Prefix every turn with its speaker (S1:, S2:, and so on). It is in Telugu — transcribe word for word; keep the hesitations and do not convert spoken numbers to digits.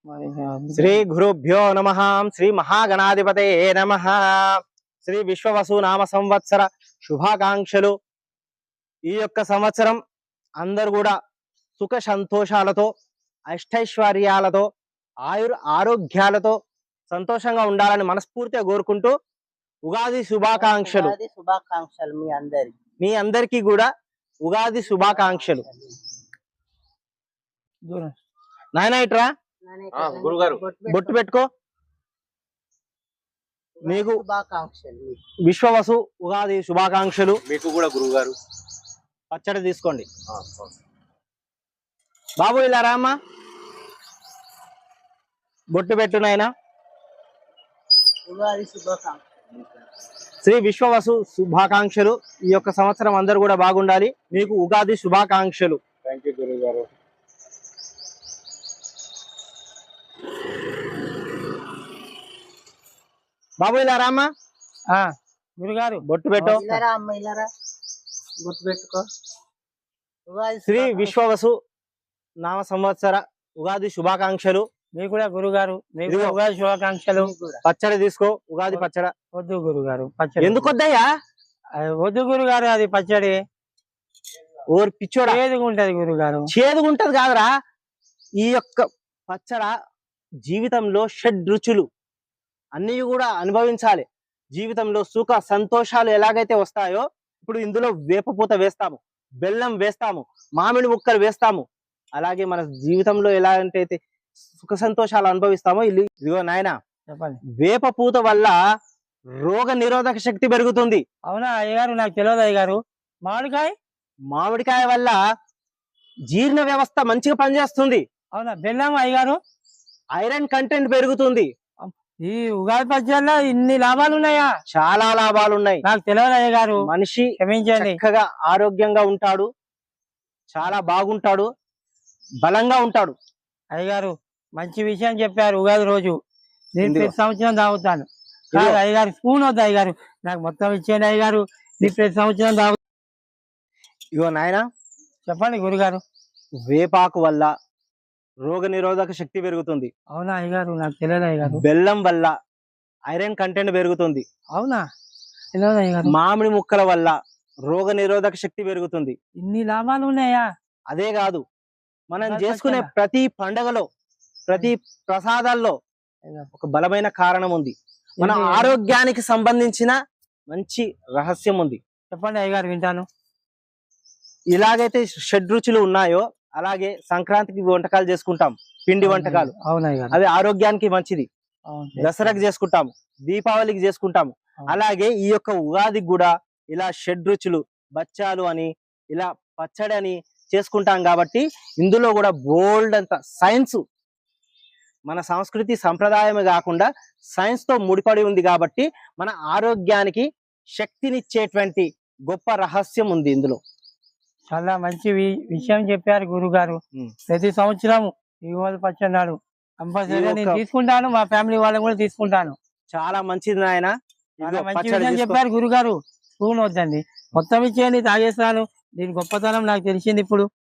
S1: శ్రీ గురుభ్యో నమః. శ్రీ మహాగణాధిపతయే నమః. శ్రీ విశ్వవసు నామ సంవత్సర శుభాకాంక్షలు. ఈ యొక్క సంవత్సరం అందరు కూడా సుఖ సంతోషాలతో అష్టైశ్వర్యాలతో ఆయుర్ ఆరోగ్యాలతో సంతోషంగా ఉండాలని మనస్ఫూర్తిగా కోరుకుంటూ ఉగాది శుభాకాంక్షలు.
S2: శుభాకాంక్షలు మీ అందరికి
S1: మీ అందరికీ కూడా ఉగాది శుభాకాంక్షలు. నాయన ఇట్రా
S3: గురుగారు
S1: బొట్టు పెట్టుకో. మీకు
S2: శుభాకాంక్షలు
S1: విశ్వవసు ఉగాది శుభాకాంక్షలు.
S3: మీకు కూడా గురుగారు.
S1: పచ్చడి తీసుకోండి బాబు. ఇలా రామ్మా, బొట్టు పెట్టు నాయనా.
S2: ఉగాది శుభాకాంక్షలు.
S1: శ్రీ విశ్వవసు శుభాకాంక్షలు. ఈ యొక్క సంవత్సరం అందరూ కూడా బాగుండాలి. మీకు ఉగాది శుభాకాంక్షలు.
S3: థ్యాంక్ యూ గురుగారు.
S1: బాబు ఇలా రామ్మా.
S2: గురుగారు
S1: బొట్టు పెట్టు.
S2: ఇలారా అమ్మ ఇలారా గుర్తు పెట్టుకో. ఉగాది
S1: శ్రీ విశ్వవసు నామ సంవత్సర ఉగాది శుభాకాంక్షలు.
S2: మీకు కూడా గురుగారు
S1: ఇదిగో.
S2: ఉగాది శుభాకాంక్షలు.
S1: పచ్చడి తీసుకో, ఉగాది పచ్చడి.
S2: వద్దు గురుగారు పచ్చడి
S1: ఎందుకు వద్దయ్యా?
S2: అది వద్దు గురుగారు, అది పచ్చడి
S1: ఓరి పిచ్చోడా,
S2: ఏదిగా ఉంటది గురుగారు.
S1: చేదుగుంటది కాదురా. ఈ యొక్క పచ్చడ జీవితంలో షడ్ రుచులు అన్ని కూడా అనుభవించాలి. జీవితంలో సుఖ సంతోషాలు ఎలాగైతే వస్తాయో, ఇప్పుడు ఇందులో వేపపూత వేస్తాము, బెల్లం వేస్తాము, మామిడి ముక్కలు వేస్తాము. అలాగే మన జీవితంలో ఎలాంటి సుఖ సంతోషాలు అనుభవిస్తామో ఇల్లు ఇదిగో నాయన.
S2: చెప్పండి.
S1: వేప పూత వల్ల రోగ నిరోధక శక్తి పెరుగుతుంది.
S2: అవునా అయ్యగారు? నాకు తెలియదు అయ్యగారు. మామిడికాయ
S1: మామిడికాయ వల్ల జీర్ణ వ్యవస్థ మంచిగా పనిచేస్తుంది.
S2: అవునా? బెల్లం అయ్యగారు
S1: ఐరన్ కంటెంట్ పెరుగుతుంది.
S2: ఈ ఉగాది పచ్చడిలో ఇన్ని లాభాలు ఉన్నాయా?
S1: చాలా లాభాలు ఉన్నాయి.
S2: నాకు తెలియదు అయ్యగారు,
S1: మనిషి
S2: క్షమించండి.
S1: చక్కగా ఆరోగ్యంగా ఉంటాడు, చాలా బాగుంటాడు, బలంగా ఉంటాడు.
S2: అయ్యగారు మంచి విషయం చెప్పారు. ఉగాది రోజు నేను
S1: ఇదిగో.
S2: ప్రతి సంవత్సరం తాగుతాను.
S1: ఇదిగో.
S2: కాదు అయ్యగారు, స్పూన్ వద్దు అయ్యగారు, నాకు మొత్తం ఇచ్చేయండి అయ్యగారు. నేను ప్రతి సంవత్సరం తాగు.
S1: ఇగో నాయన,
S2: చెప్పండి గురుగారు.
S1: వేపాకు వల్ల రోగ నిరోధక శక్తి పెరుగుతుంది.
S2: అవునా అయ్యగారు? నాకు తెలియదు అయ్యగారు.
S1: బెల్లం వల్ల ఐరన్ కంటెంట్ పెరుగుతుంది.
S2: అవునా? తెలియదు అయ్యగారు.
S1: మామిడి ముక్కల వల్ల రోగ నిరోధక శక్తి పెరుగుతుంది.
S2: ఇన్ని లాభాలు ఉన్నాయా?
S1: అదే కాదు, మనం
S2: ఉగాది
S1: చేసుకునే
S2: పచ్చడా?
S1: ప్రతి పండగలో ప్రతి ప్రసాదాల్లో ఒక బలమైన కారణం ఉంది. మన
S2: ఏంటి?
S1: ఆరోగ్యానికి సంబంధించిన మంచి రహస్యం ఉంది.
S2: చెప్పండి అయ్యగారు, వింటాను.
S1: ఇలాగైతే షడ్రుచులు ఉన్నాయో అలాగే సంక్రాంతికి వంటకాలు చేసుకుంటాం, పిండి వంటకాలు.
S2: అవునా అయ్యగారు?
S1: అవి ఆరోగ్యానికి మంచిది.
S2: అవును.
S1: దసరాకి చేసుకుంటాము, దీపావళికి చేసుకుంటాము.
S2: అవును.
S1: అలాగే ఈ యొక్క ఉగాదికి కూడా ఇలా షడ్రుచులు, బచ్చాలు అని, ఇలా పచ్చడి అని చేసుకుంటాం. కాబట్టి ఇందులో కూడా బోల్డ్ అంత సైన్స్, మన సంస్కృతి సంప్రదాయమే కాకుండా సైన్స్ తో ముడిపడి ఉంది. కాబట్టి మన ఆరోగ్యానికి శక్తినిచ్చేటువంటి గొప్ప రహస్యం ఉంది ఇందులో.
S2: చాలా మంచి వి- విషయం చెప్పారు గురుగారు.
S1: ఉమ్.
S2: ప్రతి సంవత్సరం ఈ ఉగాది పచ్చడి నాడు కంపల్సరీ
S1: ఈ
S2: నేను
S1: ఒక్క-
S2: తీసుకుంటాను, మా ఫ్యామిలీ వాళ్ళని కూడా తీసుకుంటాను.
S1: చాలా మంచిది నాయన.
S2: చాలా
S1: ఇదిగో
S2: మంచి
S1: పచ్చడి
S2: విషయం
S1: తీసుకో.
S2: చెప్పారు గురుగారు. స్పూన్ వద్దండి, మొత్తం ఇచ్చేయండి, తాగేస్తాను. దీని గొప్పతనం నాకు తెలిసింది ఇప్పుడు.